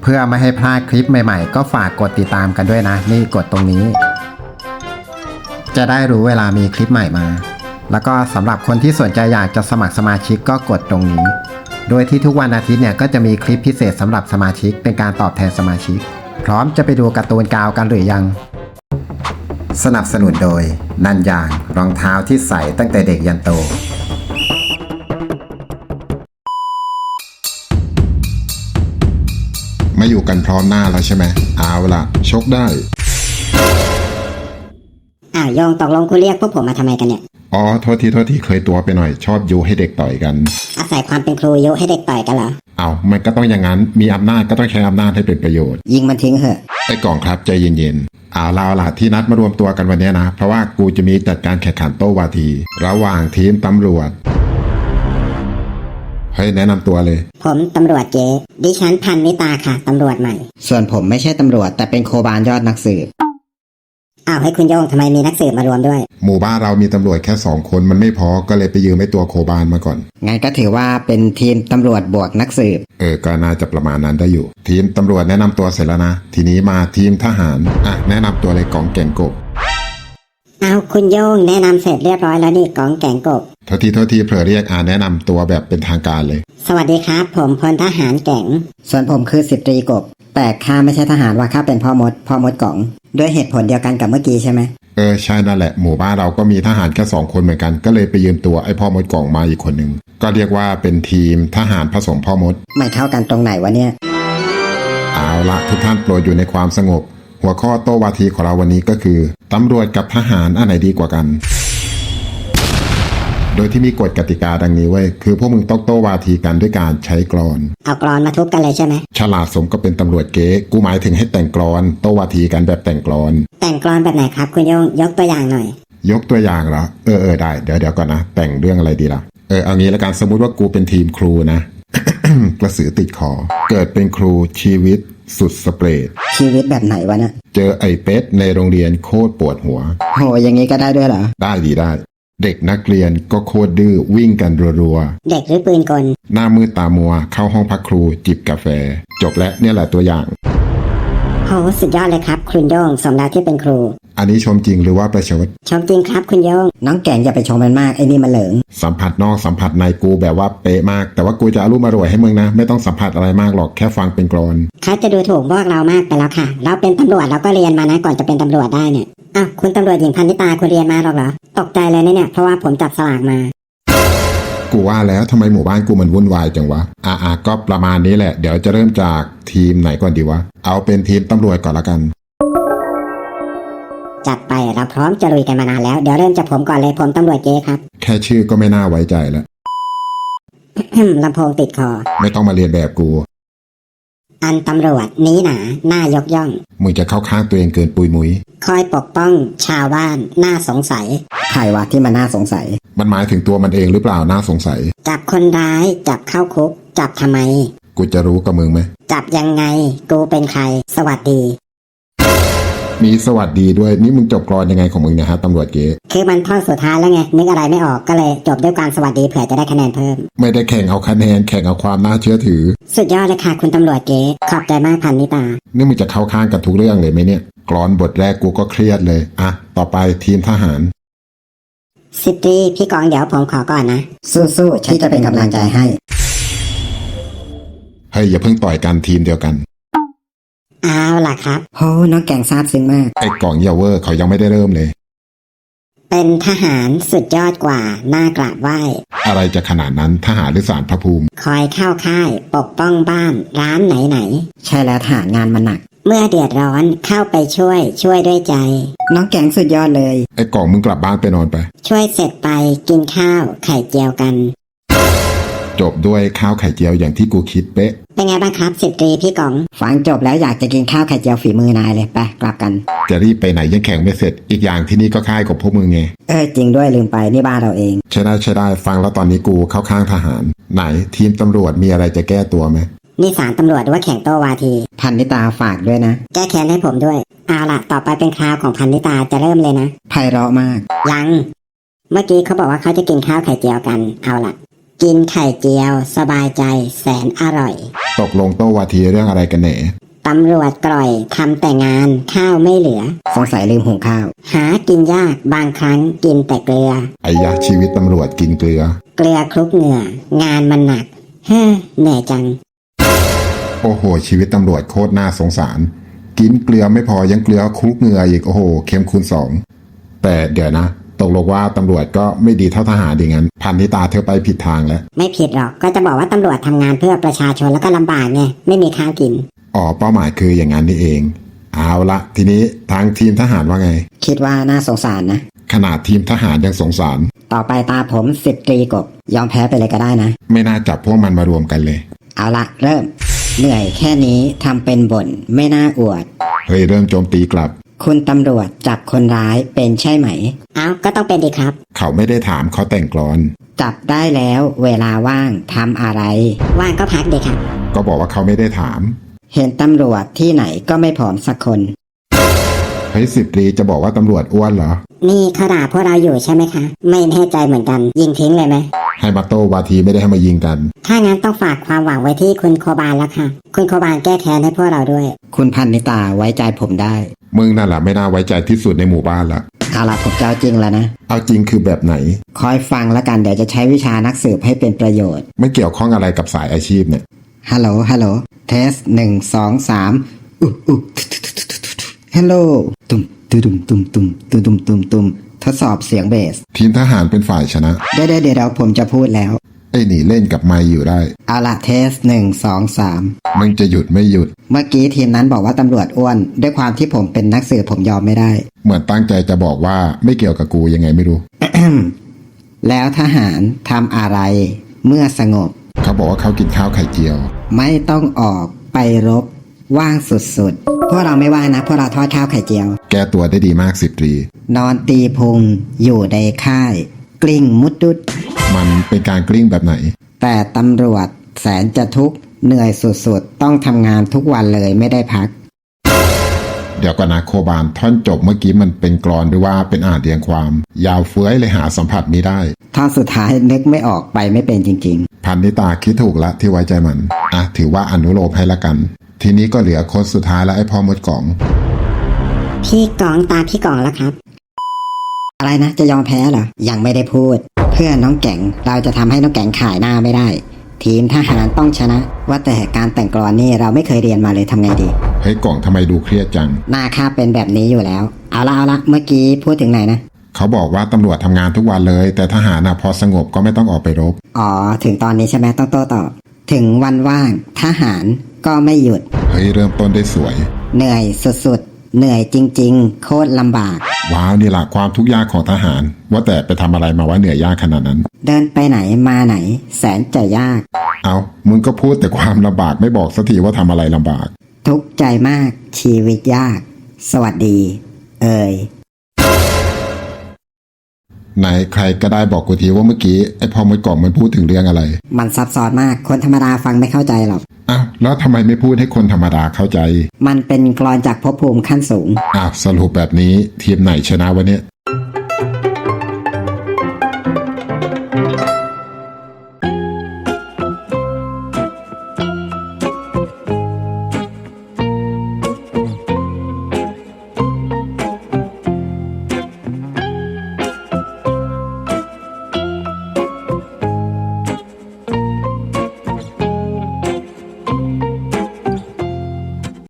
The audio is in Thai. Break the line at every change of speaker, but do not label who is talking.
เพื่อไม่ให้พลาดคลิปใหม่ๆก็ฝากกดติดตามกันด้วยนะนี่กดตรงนี้จะได้รู้เวลามีคลิปใหม่มาแล้วก็สำหรับคนที่สนใจอยากจะสมัครสมาชิกก็กดตรงนี้โดยที่ทุกวันอาทิตย์เนี่ยก็จะมีคลิปพิเศษสำหรับสมาชิกเป็นการตอบแทนสมาชิกพร้อมจะไปดูการ์ตูนกาวกันหรือยังสนับสนุนโดยนันยางรองเท้าที่ใส่ตั้งแต่เด็กยันโต
มาอยู่กันพร้อมหน้าแล้วใช่ไหมเอาล่ะชกได้
โยงตกลงคุณเรียกพวกผมมาทำไมกันเนี่ย
อ๋อโทษทีเคยตัวไปหน่อยชอบยุให้เด็กต่อยกัน
อาศัยความเป็นครูยุให้เด็กต่อยกันเหรอ
เอามันก็ต้องอย่างนั้นมีอำนาจก็ต้องใช้อำนาจให้เป็นประโยชน์
ยิงมันทิ้งเหอะ
ไอ้กล่องครับใจเย็นๆเอาล่ะที่นัดมารวมตัวกันวันนี้นะเพราะว่ากูจะมีจัดการแข่งขันโต้วาทีระหว่างทีมตำรวจให้แนะนำตัวเลย
ผมตำรวจเก๋ดิฉันพันนิตาค่ะตำรวจใหม่
ส่วนผมไม่ใช่ตำรวจแต่เป็นโคบานยอดนักสืบ
ให้คุณโยงทำไมมีนักสืบมารวมด้วย
หมู่บ้านเรามีตำรวจแค่2 คนมันไม่พอก็เลยไปยืมไอ้ตัวโคบานมาก่อน
งั้นก็ถือว่าเป็นทีมตำรวจบวกนักสืบ
ก็น่าจะประมาณนั้นได้อยู่ทีมตำรวจแนะนำตัวเสร็จแล้วนะทีนี้มาทีมทหารแนะนำตัวเลยกองแก่งกบ
คุณโยงแนะนำเสร็จเรียบร้อยแล้วนี่กองแก่งกบ
โทษทีเผลอเรียกแนะนำตัวแบบเป็นทางการเลย
สวัสดีครับผมพลทหารแก่ง
ส่วนผมคือ10 ตรีกบแต่ข้าไม่ใช่ทหารว่าข้าเป็นพ่อมดกล่องด้วยเหตุผลเดียวกันกับเมื่อกี้ใช่ไหม
ใช่นั่นแหละหมู่บ้านเราก็มีทหารแค่2 คนเหมือนกันก็เลยไปยืมตัวไอ้พ่อมดกล่องมาอีกคนนึงก็เรียกว่าเป็นทีมทหารผสมพ่อมด
ไม่เท่ากันตรงไหนวะเนี่ย
เอาละทุกท่านโปรดอยู่ในความสงบหัวข้อโต้วาทีของเราวันนี้ก็คือตำรวจกับทหารอันไหนดีกว่ากันโดยที่มีกฎกติกาดังนี้เว้ยคือพวกมึงต้องโต้วาทีกันด้วยการใช้กลอน
เอากลอนมาทุบกันเลยใช่ไหม
ฉลาดสมก็เป็นตำรวจเก๊กูหมายถึงให้แต่งกลอนโต้วาทีกันแบบแต่งกลอน
แต่งกลอนแบบไหนครับคุณโยงยกตัวอย่างหน่อย
ยกตัวอย่างเหรอได้เดี๋ยวก่อนนะแต่งเรื่องอะไรดีล่ะเอางี้ละกันสมมุติว่ากูเป็นทีมครูนะ กระสือติดคอเกิดเป็นครูชีวิตสุดสเปรด
ชีวิตแบบไหนวะเนี่ย
เจอไอ้เป็ดในโรงเรียนโคตรปวดหัว
โหอย่างงี้ก็ได้ด้วยเหรอ
ได้เด็กนักเรียนก็โคตรดื้อวิ่งกันรัว
ๆเด็กหรือปืนกล
หน้ามืดตามัวเข้าห้องพักครูจิบกาแฟจบแล้วเนี่ยแหละตัวอย่าง
โหสุดยอดเลยครับคุณโยงสมแล้วที่เป็นครู
อันนี้ชมจริงหรือว่าประชด
ชมจริงครับคุณโยง
น้องแก่งอย่าไปชมมันมากไอ้นี่มันเหลิง
สัมผัสนอกสัมผัสในกูแบบว่าเป๊ะมากแต่ว่ากูจะอารมณ์อร่วยให้มึงนะไม่ต้องสัมผัสอะไรมากหรอกแค่ฟังเป็นกลอน
เขาจะดูถูกพวกเรามากไปแล้วค่ะเราเป็นตำรวจเราก็เรียนมานะก่อนจะเป็นตำรวจได้เนี่ยคุณตำรวจหญิงพันนิตาคุณเรียนมาหรอกเหรอตกใจเลยเนี่ยเพราะว่าผมจับสลากมา
กูว่าแล้วทำไมหมู่บ้านกูมันวุ่นวายจังวะก็ประมาณนี้แหละเดี๋ยวจะเริ่มจากทีมไหนก่อนดีวะเอาเป็นทีมตำรวจก่อนละกัน
จัดไปเราพร้อมจะลุยกันมานานแล้วเดี๋ยวเริ่มจากผมก่อนเลยผมตำรวจเก๊ครับ
แค่ชื่อก็ไม่น่าไว้ใจแล้ว
ลำโพงติดคอ
ไม่ต้องมาเรียนแบบกู
อันตำรวจนี้หนาหน้ายกย่อง
มึงจะเข้าข้างตัวเองเกินปุยมุ้ย
คอยปกป้องชาวบ้านน่าสงสัย
ใครวะที่มันน่าสงสัย
มันหมายถึงตัวมันเองหรือเปล่าน่าสงสัย
จับคนร้ายจับเข้าคุกจับทำไม
กูจะรู้กับมึงไหม
จับยังไงกูเป็นใครสวัสดี
มีสวัสดีด้วยนี่มึงจบกลอนยังไงของมึงเนี่ยฮะตำรวจเก๋
คือมันท่อนสุดท้ายแล้วไงนึกอะไรไม่ออกก็เลยจบด้วยการสวัสดีเผื่อจะได้คะแนนเพิ่ม
ไม่ได้แข่งเอาคะแนนแข่งเอาความน่าเชื่อถือ
สุดยอดเลยค่ะคุณตำรวจเก๋ขอบใจมากพันนิตา
นี่มึงจะเข้าข้างกันทุกเรื่องเลยไหมเนี่ยกลอนบทแรกกูก็เครียดเลยต่อไปทีมทหาร
สิบตรีพี่กองเดี๋ยวผมขอก่อนนะ
สู้ๆที่จะเป็นกำลังใจให้
อย่าเพิ่งต่อยกันทีมเดียวกัน
เอาล่ะครับ
โหน้องแก่งซาบซึ้งมาก
ไอ้กล่องเยาเวอร์เขายังไม่ได้เริ่มเลย
เป็นทหารสุดยอดกว่าน่ากราบไหว้
อะไรจะขนาดนั้นทหารหรือศาลพระภูมิ
คอยเข้าค่ายปกป้องบ้านร้านไหน
ใช่แล้วทหารงานมันหนัก
เมื่อเดือดร้อนเข้าไปช่วยด้วยใจ
น้องแก่งสุดยอดเลย
ไอ้กล่องมึงกลับบ้านไปนอนไป
ช่วยเสร็จไปกินข้าวไข่เจียวกัน
จบด้วยข้าวไข่เจียวอย่างที่กูคิดเป๊ะ
เป็นไงบ้างครับ10 ตรีพี่กอง
ฟังจบแล้วอยากจะกินข้าวไข่เจียวฝีมือนายเลยไปกลับกัน
จะรีบไปไหนยังแข่งไม่เสร็จอีกอย่างที่นี่ก็ค่ายกับพวกมึงไง
จริงด้วยลืมไปนี่บ้านเราเอง
ใช่ได้ฟังแล้วตอนนี้กูเข้าข้างทหารไหนทีมตำรวจมีอะไรจะแก้ตัวไหม
นี่ศาลตำรวจว่าแข่งโต้วาที
พันนิตาฝากด้วยนะ
แก้แค้นให้ผมด้วยเอาล่ะต่อไปเป็นคราวของพันนิตาจะเริ่มเลยนะ
ไพเราะมาก
ยังเมื่อกี้เขาบอกว่าเขาจะกินข้าวไข่เจียวกันเอาล่ะกินไข่เจียว สบายใจแสนอร่อย
ตกลงโต้วาทีเรื่องอะไรกันแหน่
ตำรวจกร่อยทำแต่งานข้าวไม่เหลือ
สงสัยลืมหุงข้าว
หากินยากบางครั้งกินแต่เกลือ
ไอ้ยะชีวิตตำรวจกินเกลือ
เกลือคลุกเหงื่องานมันหนักเฮ้อเหนื่อยจัง
โอ้โห ชีวิตตำรวจโคตรน่าสงสาร กินเกลือไม่พอยังเกลือคลุกเหงื่ออีกโอ้โหเข้มคูณ2แต่เดี๋ยวนะ ตกลงว่าตำรวจก็ไม่ดีเท่าทหารดีงั้นพันนิตาเธอไปผิดทางแล้ว
ไม่ผิดหรอกก็จะบอกว่าตำรวจทำงานเพื่อประชาชนแล้วก็ลำบากไงไม่มีข้าวกิน
อ๋อเป้าหมายคืออย่างนั้นนี่เอง เอาละทีนี้ทางทีมทหารว่าไง
คิดว่าน่าสงสารนะ
ขนาดทีมทหารยังสงสาร
ต่อไปตาผม10 ตรีกบ ยอมแพ้ไปเลยก็ได้นะ
ไม่น่าจับพวกมันมารวมกันเลย
เอาละเริ่ม เหนื่อยแค่นี้ทำเป็นบ่นไม่น่าอวด
เฮ้ยเริ่มโจมตีกลับ
คุณตำรวจจับคนร้ายเป็นใช่ไหม
เอ้าก็ต้องเป็นดีครับ
เขาไม่ได้ถามเขาแต่งกลอน
จับได้แล้วเวลาว่างทำอะไร
ว่างก็พักดีครับ
ก็บอกว่าเขาไม่ได้ถาม
เห็นตำรวจที่ไหนก็ไม่ผอมสักคน
เฮ้ย10 ตรีจะบอกว่าตำรวจอ้วนเหรอ
นี่เขาด่าพวกเราอยู่ใช่ไหมคะ ไม่แน่ใจเหมือนกัน ยิงทิ้งเลยไหม
ให้มาโต้วาทีไม่ได้ให้มายิงกัน
ถ้างั้นต้องฝากความหวังไว้ที่คุณโคบานแล้วค่ะ คุณโคบานแก้แค้นให้พวกเราด้วย
คุณพันนิตาไว้ใจผมได้
มึงนั่นแหละไม่น่าไว้ใจที่สุดในหมู่บ้านละ
เอาละผมจะเอาจริงแล้วนะ
เอาจริงคือแบบไหน
คอยฟังแล้วกันเดี๋ยวจะใช้วิชานักสืบให้เป็นประโยชน์
ไม่เกี่ยวข้องอะไรกับสายอาชีพเนี่ย
ฮัลโหล ฮัลโหล เทส1 2 3ฮัลโหล ตุ่มตุ่มตุ่มตุ่มตุ่มตุ่มตุ่มตุ่มทดสอบเสียงเบส
ทีมทหารเป็นฝ่ายชนะ
เดี๋ยวผมจะพูดแล้ว
ไอ้หนีเล่นกับไมค์อยู่ได้
เอาละเทส1 2 3
มึงจะหยุดไม่หยุด
เมื่อกี้ทีมนั้นบอกว่าตำรวจอ้วน ด้วยความที่ผมเป็นนักสืบผมยอมไม่ได้
เหมือนตั้งใจจะบอกว่าไม่เกี่ยวกับกูยังไงไม่รู้
แล้วทหารทำอะไร เมื่อสงบ
เขาบอกว่าเขากินข้าวไข่เจียว
ไม่ต้องออกไปรบ ว่างสุดๆ พวกเราไม่ว่างนะ พวกเราทอดข้าวไข่เจียว
แก้ตัวได้ดีมาก10 ตรี
นอนตีพุง อยู่ในค่าย กลิ้งมุดดุด
มันเป็นการกลิ้งแบบไหน
แต่ตำรวจแสนจะทุกข์เหนื่อยสุดๆ ต้องทำงานทุกวันเลยไม่ได้พัก
เดี๋ยวก่อนนะโคบานท่อนจบเมื่อกี้มันเป็นกลอนหรือว่าเป็นอ่านเรียงความ ยาวเฟื้อยเลยหาสัมผัสไม่ได้
ท่อนสุดท้ายนึกไม่ออกไปไม่เป็นจริง
พันนิตาคิดถูกละที่ไว้ใจมัน อ่ะถือว่าอนุโลมให้ละกัน ทีนี้ก็เหลือคนสุดท้ายแล้วไอ้พ่อมดกล่อง
พี่กองตามพี่กองแล้วครับ
ๆ อะไรนะจะยอมแพ้เหรอ ยังไม่ได้พูด เพื่อน้องแก่งเราจะทำให้น้องแก่งขายหน้าไม่ได้ ทีมทหารต้องชนะ ว่าแต่การแต่งกลอนนี่เราไม่เคยเรียนมาเลยทำไงดี
เฮ้ยกล่องทำไมดูเครียดจัง
หน้าข้าเป็นแบบนี้อยู่แล้ว เอาละเมื่อกี้พูดถึงไหนนะ
เขาบอกว่าตำรวจทำงานทุกวันเลย แต่ทหารน่ะพอสงบก็ไม่ต้องออกไปรบ
อ๋อถึงตอนนี้ใช่ไหมต้องโต้ตอบถึงวันว่างทหารก็ไม่หยุด
เฮ้ยเริ่มต้นได้สวย
เหนื่อยสุดๆ เหนื่อยจริงๆ โคตรลำบาก
ว้าวนี่แหละความทุกข์ยากของทหาร ว่าแต่ไปทำอะไรมาว่าเหนื่อยยากขนาดนั้น
เดินไปไหนมาไหน แสนจะยาก
เอามึงก็พูดแต่ความลำบากไม่บอกสักทีว่าทำอะไรลำบาก
ทุกข์ใจมากชีวิตยาก สวัสดี เอ่ย
ไหนใครก็ได้บอกกูทีว่าเมื่อกี้ไอ้พ่อมดกล่องมันพูดถึงเรื่องอะไร
มันซับซ้อนมากคนธรรมดาฟังไม่เข้าใจหรอก
อ้าวแล้วทำไมไม่พูดให้คนธรรมดาเข้าใจ
มันเป็นกลอนจากภพภูมิขั้นสูง
อ้าวสรุปแบบนี้ทีมไหนชนะวะเนี่ย